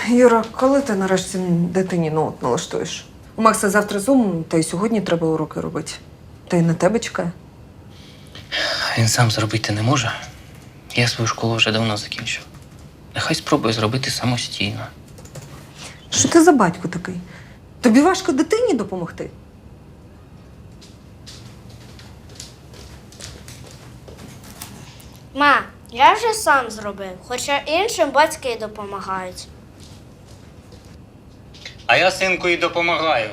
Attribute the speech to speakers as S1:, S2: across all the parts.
S1: Юра, коли ти нарешті дитині ноут налаштуєш? У Макса завтра зум, та й сьогодні треба уроки робити. Та й на тебе чекає.
S2: Він сам зробити не може. Я свою школу вже давно закінчив. Нехай спробує зробити самостійно.
S1: Що ти за батько такий? Тобі важко дитині допомогти?
S3: Ма, я вже сам зробив, хоча іншим батьки допомагають.
S2: А я синку і допомагаю.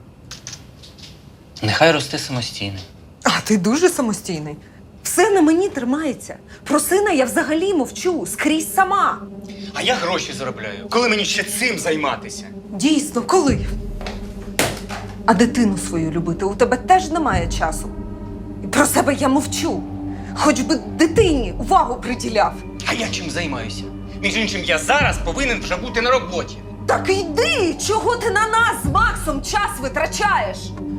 S2: Нехай росте самостійно.
S1: А ти дуже самостійний. Все на мені тримається. Про сина я взагалі мовчу, скрізь сама.
S4: А я гроші заробляю. Коли мені ще цим займатися?
S1: Дійсно, коли? А дитину свою любити у тебе теж немає часу. І про себе я мовчу. Хоч би дитині увагу приділяв.
S4: А я чим займаюся? Між іншим, я зараз повинен вже бути на роботі.
S1: Так йди! Чого ти на нас з Максом час витрачаєш?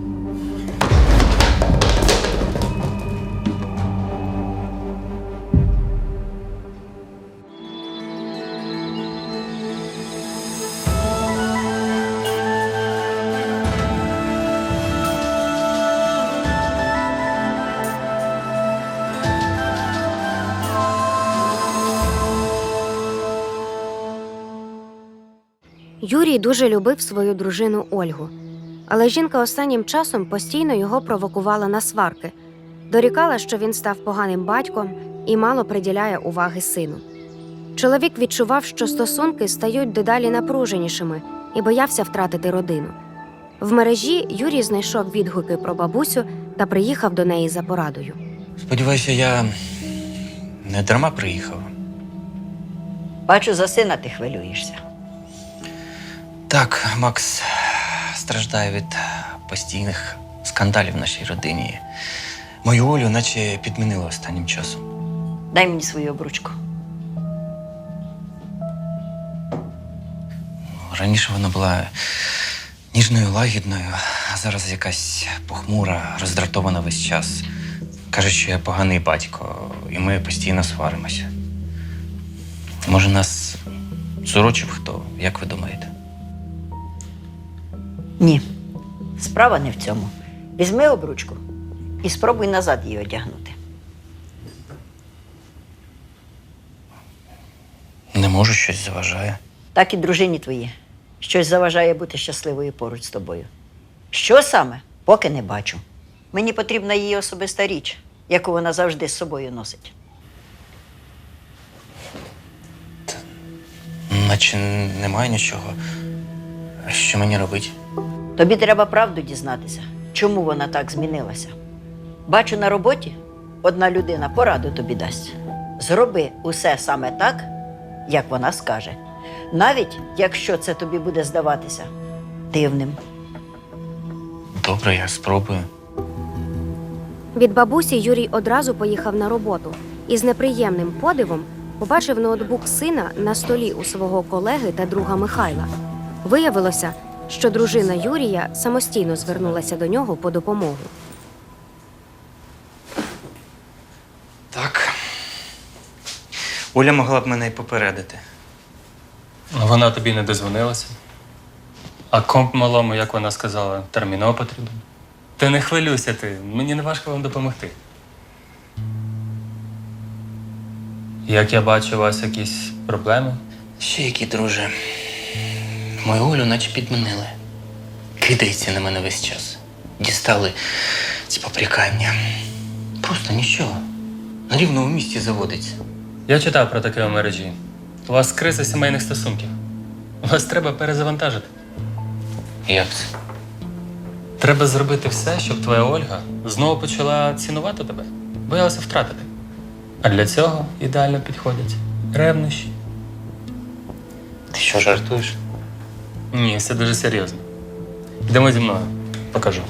S5: Юрій дуже любив свою дружину Ольгу. Але жінка останнім часом постійно його провокувала на сварки. Дорікала, що він став поганим батьком і мало приділяє уваги сину. Чоловік відчував, що стосунки стають дедалі напруженішими і боявся втратити родину. В мережі Юрій знайшов відгуки про бабусю та приїхав до неї за порадою.
S2: Сподіваюся, я не дарма приїхав.
S6: Бачу, за сина ти хвилюєшся.
S2: Так, Макс страждає від постійних скандалів в нашій родині. Мою Олю наче підмінили останнім часом.
S6: Дай мені свою обручку.
S2: Раніше вона була ніжною, лагідною, а зараз якась похмура, роздратована весь час. Каже, що я поганий батько, і ми постійно сваримося. Може, нас зурочив хто, як ви думаєте?
S6: Ні. Справа не в цьому. Візьми обручку і спробуй назад її одягнути.
S2: Не можу, щось заважає.
S6: Так і дружині твоїй. Щось заважає бути щасливою поруч з тобою. Що саме? Поки не бачу. Мені потрібна її особиста річ, яку вона завжди з собою носить.
S2: Наче немає нічого. А що мені робити?
S6: Тобі треба правду дізнатися, чому вона так змінилася. Бачу, на роботі одна людина пораду тобі дасть. Зроби усе саме так, як вона скаже. Навіть якщо це тобі буде здаватися дивним.
S2: Добре, я спробую.
S5: Від бабусі Юрій одразу поїхав на роботу і з неприємним подивом побачив ноутбук сина на столі у свого колеги та друга Михайла. Виявилося, що дружина Юрія самостійно звернулася до нього по допомогу.
S2: Так. Оля могла б мене й попередити.
S7: Вона тобі не дозвонилася. А комп малому, як вона сказала, терміново потрібен. Ти не хвилюйся ти, мені не важко вам допомогти. Як я бачу, у вас якісь проблеми?
S2: Ще які, друже. Мою Олю наче підмінили. Кидається на мене весь час. Дістали ці попрікання. Просто нічого. На рівному місці заводиться.
S7: Я читав про таке у мережі. У вас криза сімейних стосунків. Вас треба перезавантажити.
S2: Як це?
S7: Треба зробити все, щоб твоя Ольга знову почала цінувати тебе, боялася втратити. А для цього ідеально підходять ревнощі.
S2: Ти що, жартуєш?
S7: Ні, все дуже серйозно. Йдемо зі мною, покажу.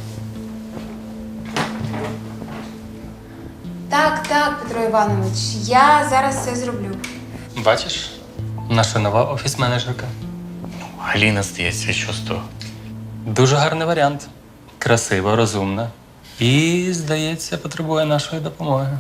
S8: Так, Петро Іванович, я зараз все зроблю.
S7: Бачиш? Наша нова офіс-менеджерка.
S2: Галіна, здається, що з того?
S7: Дуже гарний варіант. Красива, розумна. І, здається, потребує нашої допомоги.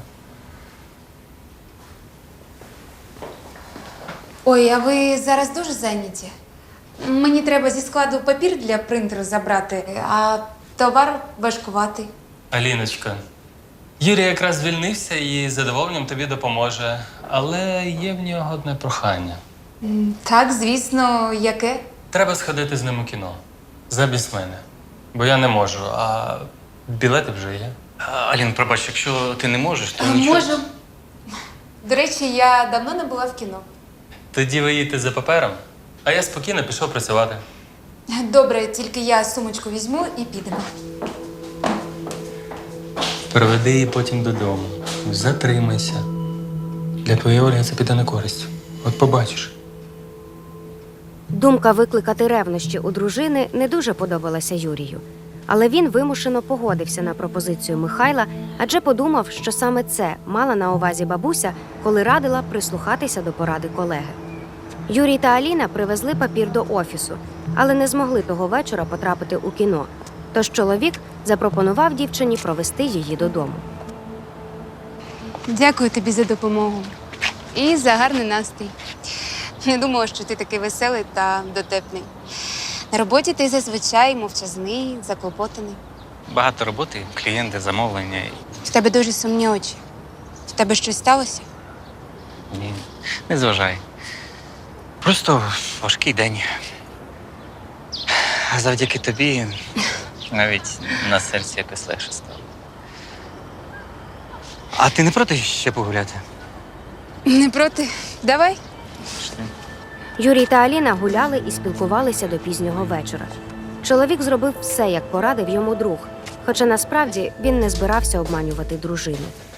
S8: Ой, а ви зараз дуже зайняті? Мені треба зі складу папір для принтеру забрати, а товар важкуватий.
S7: Аліночка, Юрій якраз звільнився і з задоволенням тобі допоможе. Але є в нього одне прохання.
S8: Так, звісно, яке?
S7: Треба сходити з ним у кіно. Замість мене. Бо я не можу, а білети вже є.
S2: Алін, пробач, якщо ти не можеш, то нічого.
S8: Можу. До речі, я давно не була в кіно.
S7: Тоді ви їдете за папером, а я спокійно пішов працювати.
S8: Добре, тільки я сумочку візьму і підемо.
S7: Приведи її потім додому. Затримайся. Для твоєї Ольги це піде на користь. От побачиш.
S5: Думка викликати ревнощі у дружини не дуже подобалася Юрію. Але він вимушено погодився на пропозицію Михайла, адже подумав, що саме це мала на увазі бабуся, коли радила прислухатися до поради колеги. Юрій та Аліна привезли папір до офісу, але не змогли того вечора потрапити у кіно. Тож чоловік запропонував дівчині провести її додому.
S8: Дякую тобі за допомогу. І за гарний настрій. Не думала, що ти такий веселий та дотепний. На роботі ти зазвичай мовчазний, заклопотаний.
S2: Багато роботи, клієнти, замовлення.
S8: В тебе дуже сумні очі. В тебе щось сталося?
S2: Ні, не зважай. Просто важкий день. А завдяки тобі навіть на серці якось легше стало. А ти не проти ще погуляти?
S8: Не проти. Давай.
S5: Юрій та Аліна гуляли і спілкувалися до пізнього вечора. Чоловік зробив все, як порадив йому друг, хоча насправді він не збирався обманювати дружину.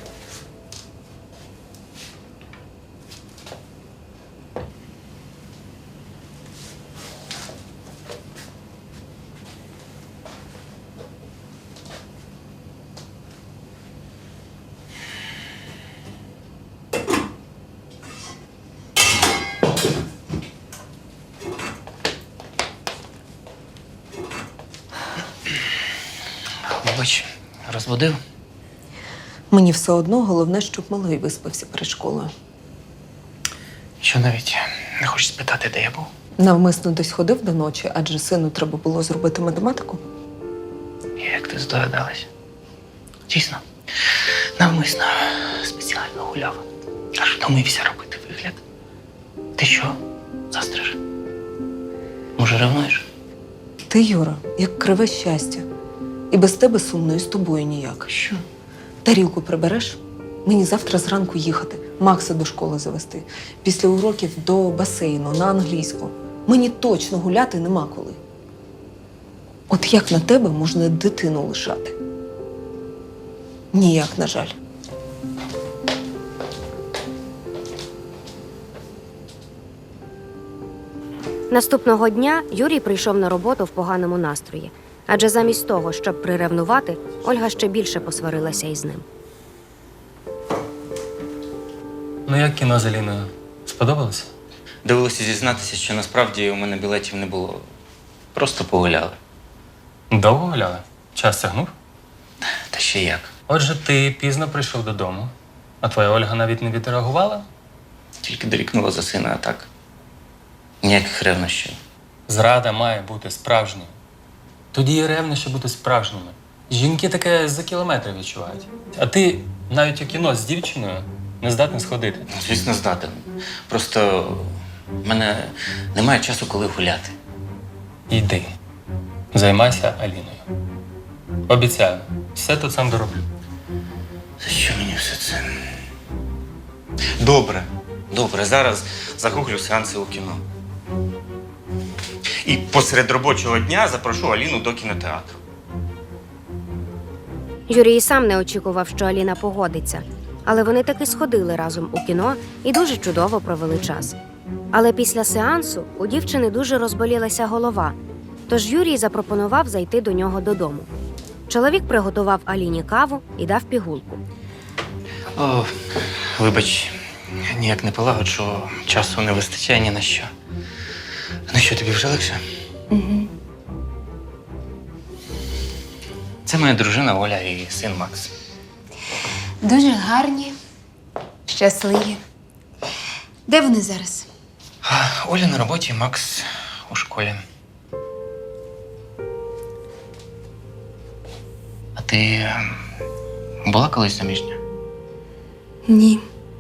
S2: Вибач, розбудив?
S1: Мені все одно головне, щоб малий виспався перед школою.
S2: Що навіть не хочеш спитати, де я був?
S1: Навмисно десь ходив до ночі, адже сину треба було зробити математику.
S2: Як ти здогадалась? Дійсно, навмисно спеціально гуляв. Аж втомився робити вигляд. Ти що, застриж? Може, ревнуєш?
S1: Ти, Юра, як криве щастя. І без тебе сумно, і з тобою ніяк.
S2: Що?
S1: Тарілку прибереш? Мені завтра зранку їхати, Макса до школи завести. Після уроків до басейну, на англійську. Мені точно гуляти нема коли. От як на тебе можна дитину лишати? Ніяк, на жаль.
S5: Наступного дня Юрій прийшов на роботу в поганому настрої. Адже замість того, щоб приревнувати, Ольга ще більше посварилася із ним.
S7: Ну як кіно з Аліною? Сподобалося?
S2: Довелося зізнатися, що насправді у мене білетів не було. Просто погуляли.
S7: Довго гуляли? Час тягнув?
S2: Та ще як.
S7: Отже, ти пізно прийшов додому, а твоя Ольга навіть не відреагувала?
S2: Тільки дорікнула за сина, а так. Ніяких ревнощів.
S7: Зрада має бути справжньою. Тоді і ревнощі бути справжніми. Жінки таке за кілометри відчувають. А ти навіть у кіно з дівчиною не здатний сходити.
S2: Ну, звісно, здатен. Просто в мене немає часу, коли гуляти.
S7: Йди. Займайся Аліною. Обіцяю, все тут сам дороблю.
S2: За що мені все це? Добре, зараз загуглю сеанси у кіно. І посеред робочого дня запрошу Аліну до кінотеатру.
S5: Юрій сам не очікував, що Аліна погодиться. Але вони таки сходили разом у кіно і дуже чудово провели час. Але після сеансу у дівчини дуже розболілася голова, тож Юрій запропонував зайти до нього додому. Чоловік приготував Аліні каву і дав пігулку.
S2: О, вибач, ніяк не полагоджу, часу не вистачає ні на що. Ну що, тобі вже легше?
S1: Угу.
S2: Це моя дружина Оля і син Макс.
S8: Дуже гарні, щасливі. Де вони зараз?
S2: Оля на роботі, Макс у школі. А ти була колись заміжня?
S8: Ні.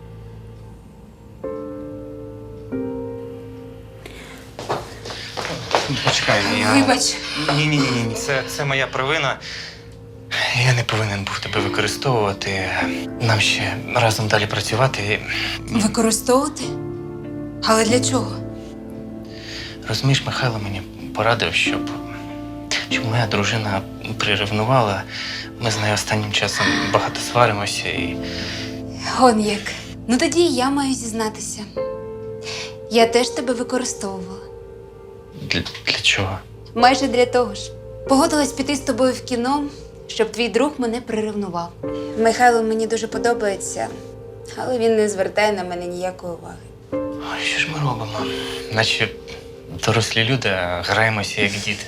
S2: Почекай,
S8: Вибач.
S2: Ні. Це моя провина. Я не повинен був тебе використовувати. Нам ще разом далі працювати.
S8: Використовувати? Але для чого?
S2: Розумієш, Михайло мені порадив, щоб моя дружина приревнувала. Ми з нею останнім часом багато сваримося і.
S8: Он як. Ну тоді і я маю зізнатися. Я теж тебе використовувала.
S2: Для чого?
S8: Майже для того ж. Погодилась піти з тобою в кіно, щоб твій друг мене приревнував. Михайло мені дуже подобається, але він не звертає на мене ніякої уваги.
S2: Ой, що ж ми робимо? Наче дорослі люди, а граємося як діти.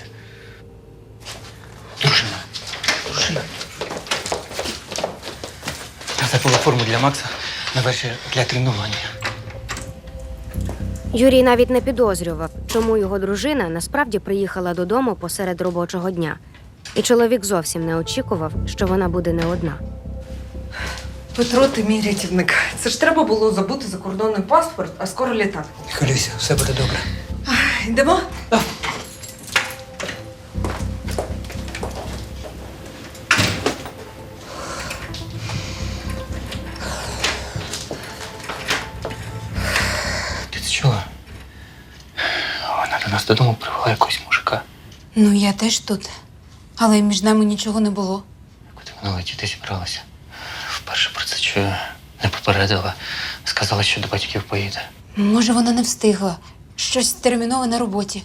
S2: Дружина. Я забула форму для Макса на вечір для тренування.
S5: Юрій навіть не підозрював, чому його дружина насправді приїхала додому посеред робочого дня. І чоловік зовсім не очікував, що вона буде не одна.
S1: Петро, ти мій рятівник. Це ж треба було забути закордонний паспорт, а скоро літак.
S9: Хвилюйся, все буде добре.
S1: Йдемо?
S2: Ти це чула? Вона до нас додому привела якогось мужика.
S8: Ну, я теж тут. Але між нами нічого не було.
S2: Куди вона летіти зібралася? Вперше про це чую. Не попередила. Сказала, що до батьків поїде.
S8: Може, вона не встигла. Щось термінове на роботі.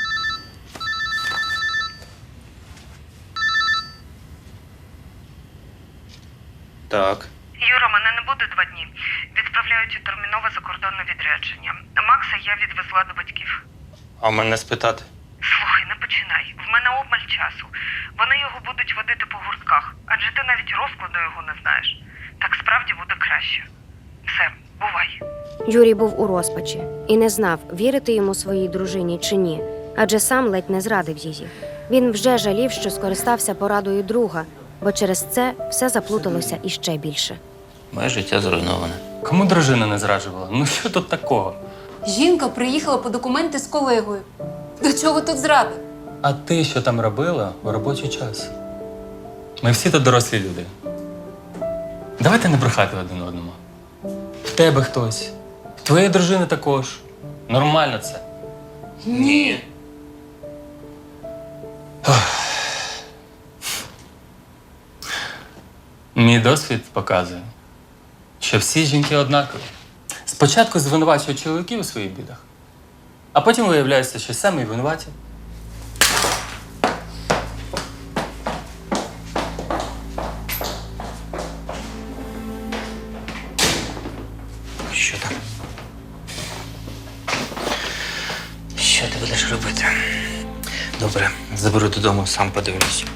S2: Так.
S10: Юра, мене не буде 2 дні. Відправляють у термінове закордонне відрядження. Макса я відвезла до батьків.
S2: А мене спитати?
S10: Слухай, не починай. В мене обмаль часу. Вони його будуть водити по гуртках, адже ти навіть розкладу його не знаєш. Так справді буде краще. Все, бувай.
S5: Юрій був у розпачі і не знав, вірити йому своїй дружині чи ні, адже сам ледь не зрадив її. Він вже жалів, що скористався порадою друга, бо через це все заплуталося іще більше.
S2: Моє життя зруйноване.
S7: Кому дружина не зраджувала? Ну що тут такого?
S8: Жінка приїхала по документи з колегою. До чого тут зрада?
S7: А ти що там робила у робочий час? Ми всі тут дорослі люди. Давайте не брехати один одному. В тебе хтось, в твоєї дружини також. Нормально це.
S2: Ні.
S7: Мій досвід показує, що всі жінки однакові. Спочатку звинувачують чоловіків у своїх бідах, а потім виявляється, що самі винуваті.
S2: Що там? Що ти будеш робити? Добре, заберу додому, сам подивлюсь.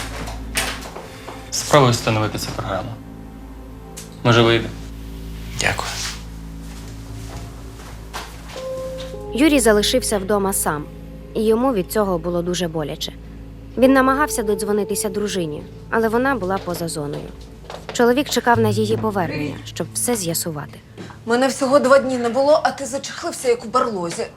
S7: Спробуй встановити цю програму. Може, вийде.
S2: Дякую.
S5: Юрій залишився вдома сам, і йому від цього було дуже боляче. Він намагався додзвонитися дружині, але вона була поза зоною. Чоловік чекав на її повернення, щоб все з'ясувати.
S1: Мене всього 2 дні не було, а ти зачахлився, як у барлозі.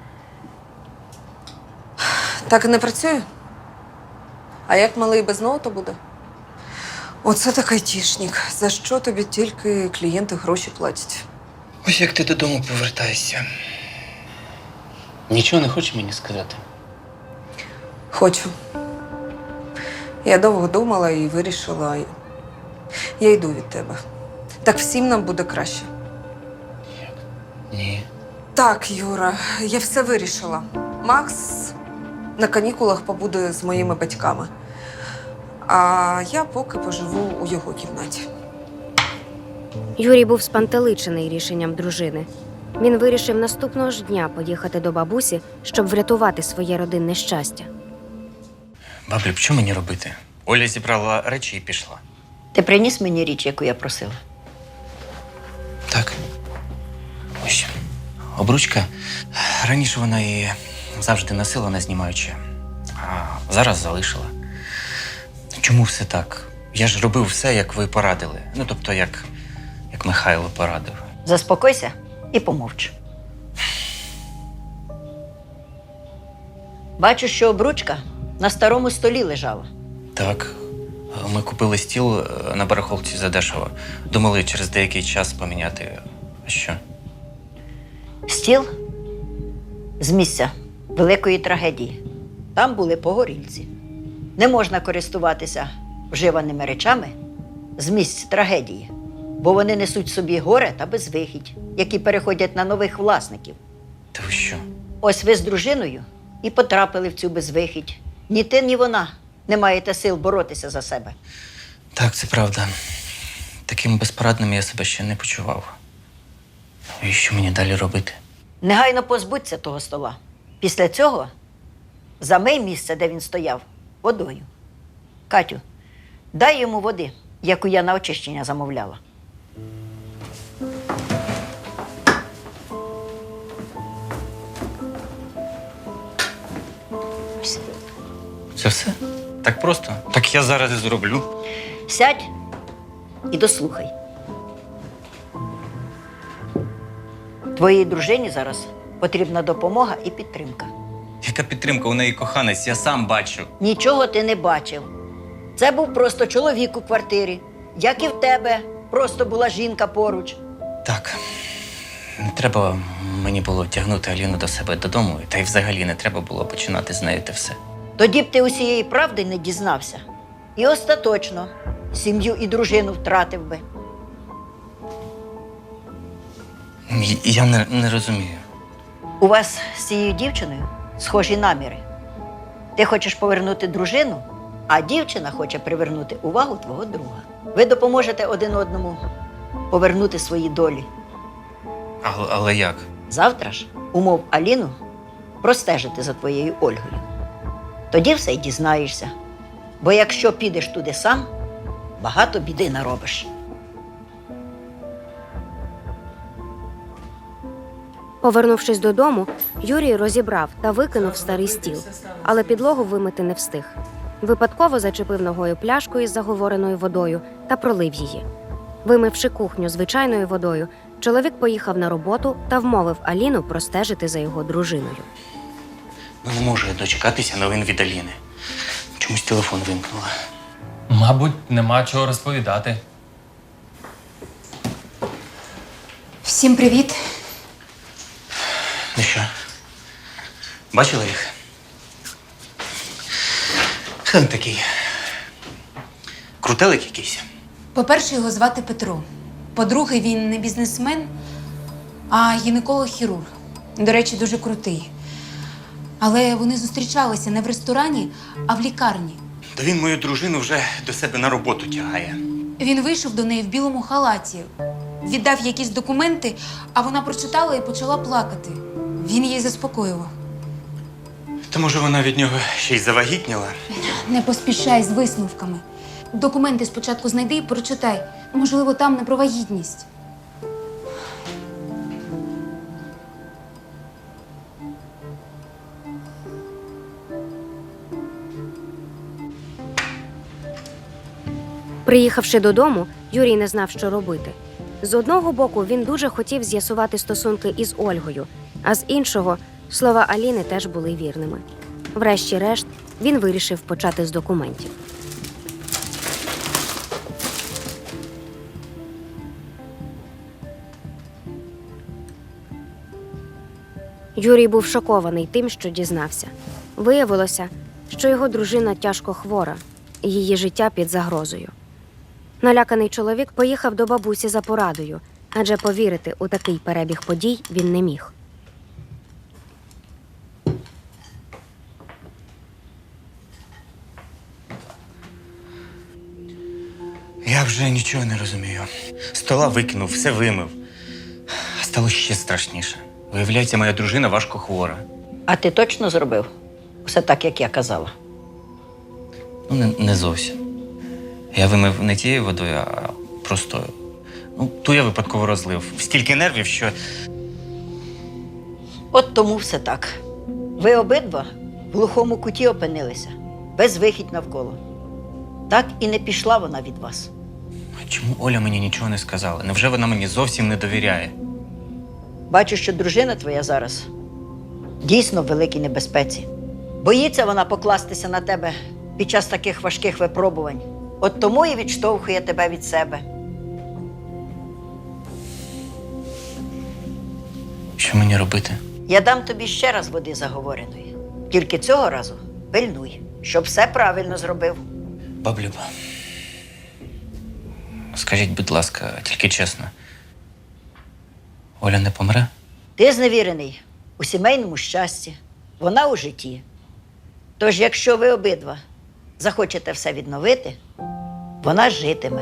S1: Так і не працює? А як малий без ноута буде? Оце такий айтішник. За що тобі тільки клієнти гроші платять?
S2: Ось як ти додому повертаєшся. Нічого не хочеш мені сказати?
S1: Хочу. Я довго думала і вирішила. Я йду від тебе. Так всім нам буде краще.
S2: Ні.
S1: Так, Юра, я все вирішила. Макс на канікулах побуде з моїми батьками. А я поки поживу у його кімнаті.
S5: Юрій був спантеличений рішенням дружини. Він вирішив наступного ж дня поїхати до бабусі, щоб врятувати своє родинне щастя.
S2: Баблю, що мені робити? Оля зібрала речі і пішла.
S6: Ти приніс мені річ, яку я просила?
S2: Так. Ось. Обручка. Раніше вона її завжди носила, не знімаючи. А зараз залишила. Чому все так? Я ж робив все, як ви порадили. Ну, тобто, як Михайло порадив.
S6: Заспокойся і помовч. Бачу, що обручка на старому столі лежала.
S2: Так, ми купили стіл на барахолці задешево. Думали через деякий час поміняти. А що?
S6: Стіл з місця великої трагедії. Там були погорільці. Не можна користуватися вживаними речами з місць трагедії, бо вони несуть собі горе та безвихідь, які переходять на нових власників.
S2: Та ви що?
S6: Ось ви з дружиною і потрапили в цю безвихідь. Ні ти, ні вона не маєте сил боротися за себе.
S2: Так, це правда. Таким безпорадним я себе ще не почував. І що мені далі робити?
S6: Негайно позбудься того стола. Після цього замий місце, де він стояв, водою. Катю, дай йому води, яку я на очищення замовляла. Ось.
S2: Це все? Так просто? Так я зараз і зроблю.
S6: Сядь і дослухай. Твоїй дружині зараз потрібна допомога і підтримка.
S2: Яка підтримка у неї коханець, я сам бачу.
S6: Нічого ти не бачив. Це був просто чоловік у квартирі, як і в тебе. Просто була жінка поруч.
S2: Так, не треба мені було тягнути Аліну до себе додому, та й взагалі не треба було починати з нею те все.
S6: Тоді б ти усієї правди не дізнався. І остаточно сім'ю і дружину втратив би.
S2: Я не розумію.
S6: У вас з цією дівчиною схожі наміри. Ти хочеш повернути дружину, а дівчина хоче привернути увагу твого друга. Ви допоможете один одному повернути свої долі.
S2: Але як?
S6: Завтра ж умов Аліну простежити за твоєю Ольгою. Тоді все й дізнаєшся. Бо якщо підеш туди сам, багато біди наробиш.
S5: Повернувшись додому, Юрій розібрав та викинув старий стіл, але підлогу вимити не встиг. Випадково зачепив ногою пляшку із заговореною водою та пролив її. Вимивши кухню звичайною водою, чоловік поїхав на роботу та вмовив Аліну простежити за його дружиною.
S2: Не можу я дочекатися новин від Аліни. Чомусь телефон вимкнула.
S7: Мабуть, нема чого розповідати.
S8: Всім привіт.
S2: Ну що? Бачили їх? Хто він такий? Крутелик якийсь?
S8: По-перше, його звати Петро. По-друге, він не бізнесмен, а гінеколог-хірург. До речі, дуже крутий. Але вони зустрічалися не в ресторані, а в лікарні.
S2: Та він мою дружину вже до себе на роботу тягає.
S8: Він вийшов до неї в білому халаті, віддав якісь документи, а вона прочитала і почала плакати. Він її заспокоював.
S2: Та може вона від нього ще й завагітніла?
S8: Не поспішай з висновками. Документи спочатку знайди і прочитай. Можливо, там не про вагітність.
S5: Приїхавши додому, Юрій не знав, що робити. З одного боку, він дуже хотів з'ясувати стосунки із Ольгою, а з іншого – слова Аліни теж були вірними. Врешті-решт, він вирішив почати з документів. Юрій був шокований тим, що дізнався. Виявилося, що його дружина тяжко хвора, і її життя під загрозою. Наляканий чоловік поїхав до бабусі за порадою, адже повірити у такий перебіг подій він не міг.
S2: Я вже нічого не розумію. Стола викинув, все вимив. А стало ще страшніше. Виявляється, моя дружина важко хвора.
S6: А ти точно зробив все так, як я казала?
S2: Ну, не зовсім. Я вимив не тією водою, а простою. Ну, ту я випадково розлив. Стільки нервів, що…
S6: От тому все так. Ви обидва в глухому куті опинилися, без вихідь навколо. Так і не пішла вона від вас.
S2: А чому Оля мені нічого не сказала? Невже вона мені зовсім не довіряє?
S6: Бачу, що дружина твоя зараз дійсно в великій небезпеці. Боїться вона покластися на тебе під час таких важких випробувань. От тому і відштовхує тебе від себе.
S2: Що мені робити?
S6: Я дам тобі ще раз води заговореної. Тільки цього разу пильнуй, щоб все правильно зробив.
S2: Баблюба, скажіть, будь ласка, тільки чесно. Оля не помре?
S6: Ти зневірений у сімейному щасті, вона у житті. Тож, якщо ви обидва захочете все відновити, вона житиме.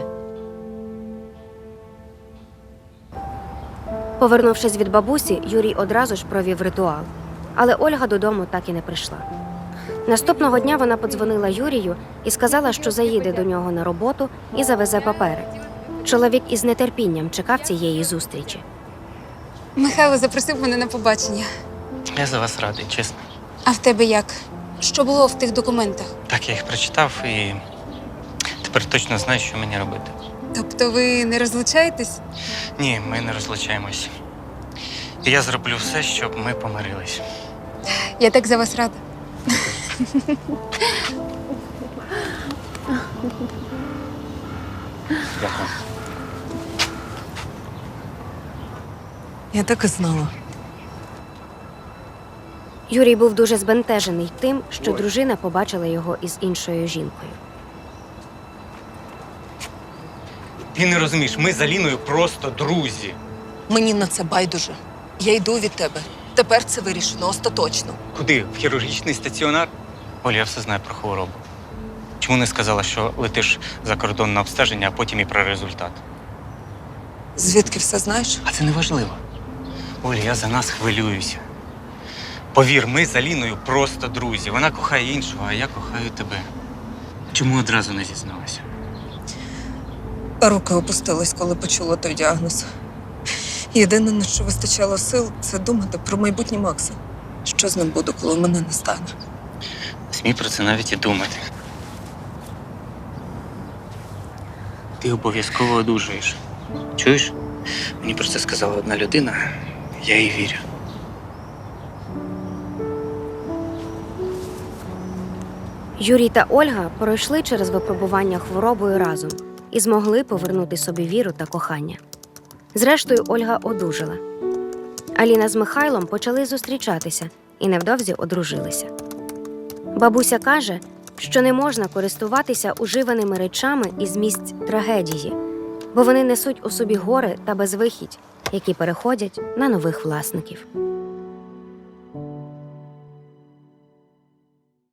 S5: Повернувшись від бабусі, Юрій одразу ж провів ритуал. Але Ольга додому так і не прийшла. Наступного дня вона подзвонила Юрію і сказала, що заїде до нього на роботу і завезе папери. Чоловік із нетерпінням чекав цієї зустрічі.
S8: Михайло запросив мене на побачення.
S2: Я за вас радий, чесно.
S8: А в тебе як? Що було в тих документах?
S2: Так, я їх прочитав і тепер точно знаю, що мені робити.
S8: Тобто ви не розлучаєтесь?
S2: Ні, ми не розлучаємось. І я зроблю все, щоб ми помирились.
S8: Я так за вас рада.
S2: Дякую.
S1: Я так і знала.
S5: Юрій був дуже збентежений тим, що дружина побачила його із іншою жінкою.
S4: Ти не розумієш, ми з Аліною просто друзі.
S1: Мені на це байдуже. Я йду від тебе. Тепер це вирішено остаточно.
S4: Куди? В хірургічний стаціонар?
S2: Оля, я все знаю про хворобу. Чому не сказала, що летиш за кордон на обстеження, а потім і про результат?
S1: Звідки все знаєш?
S2: А це не важливо. Оля, я за нас хвилююся. Повір, ми з Аліною просто друзі. Вона кохає іншого, а я кохаю тебе. Чому одразу не зізналася?
S1: Руки опустились, коли почула той діагноз. Єдине, на що вистачало сил, це думати про майбутнє Макса. Що з ним буде, коли мене не стане?
S2: Не смій про це навіть і думати. Ти обов'язково одужаєш. Чуєш? Мені про це сказала одна людина, я їй вірю.
S5: Юрій та Ольга пройшли через випробування хворобою разом і змогли повернути собі віру та кохання. Зрештою, Ольга одужала. Аліна з Михайлом почали зустрічатися і невдовзі одружилися. Бабуся каже, що не можна користуватися уживаними речами із місць трагедії, бо вони несуть у собі горе та безвихідь, які переходять на нових власників.